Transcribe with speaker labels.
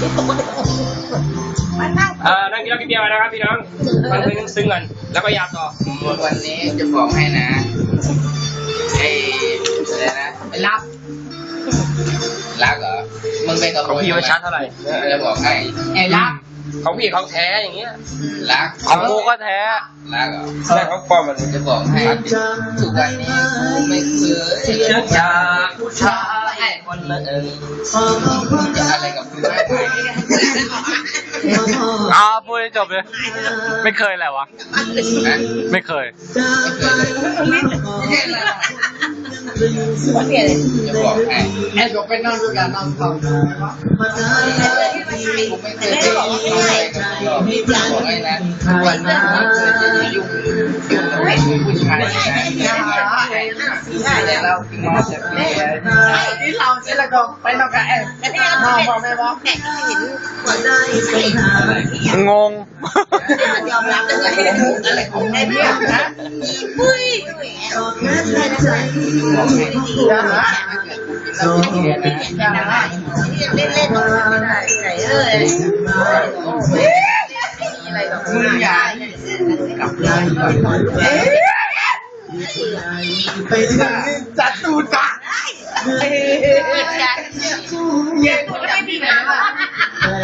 Speaker 1: นั่งกินเหล้ากินเบียร์มานะครับพี่น้องฟังเพลงซึ้งกันแล้วก็ยาต่อ
Speaker 2: วันนี้จะบอกให้นะอะไรนะไม่รับรักเหรอมึงไปกับ
Speaker 1: ของพี่มันชัดเท่าไหร่
Speaker 2: จะบอกให้ไอ้รัก
Speaker 1: ของพี่เขาแท้อย่างเงี้ย
Speaker 2: รัก
Speaker 1: ของกูก็แท้
Speaker 2: รักเหรอ
Speaker 1: ใช่เขาปลอมมัน
Speaker 2: จะบอกให้ทุกวันนี้กูไม่เคยเชื่อจากผู้ชายคนหนึ่งจะอะไรกับมึงไม่ไป
Speaker 1: พูดให้จบเลยไม่เคยแหละวะไม่เคย
Speaker 2: จะบอกให้ไอ้ผมไปนอนด้วยกันนอนฟังผมไม่เคยจะบอกอะไรกับพี่บอกให้นะวันนี้ไม่เคยจะยุ่งกับผู้ชายนะแต่เรากินมาจากที่เราจะละก็ไปนอนกับน้องบอกแม่บอกแขกที่เห็น
Speaker 1: งง
Speaker 2: ยอมรับเลยอะไรของแม่เนี่ยนะปุ้ยบอกให้เราเล่นไม่ได้ไหนอะไรแบบมึงอย่ากับยายก่อนไปจัดตูดก่อนเย้กูไม่มีแบบว่า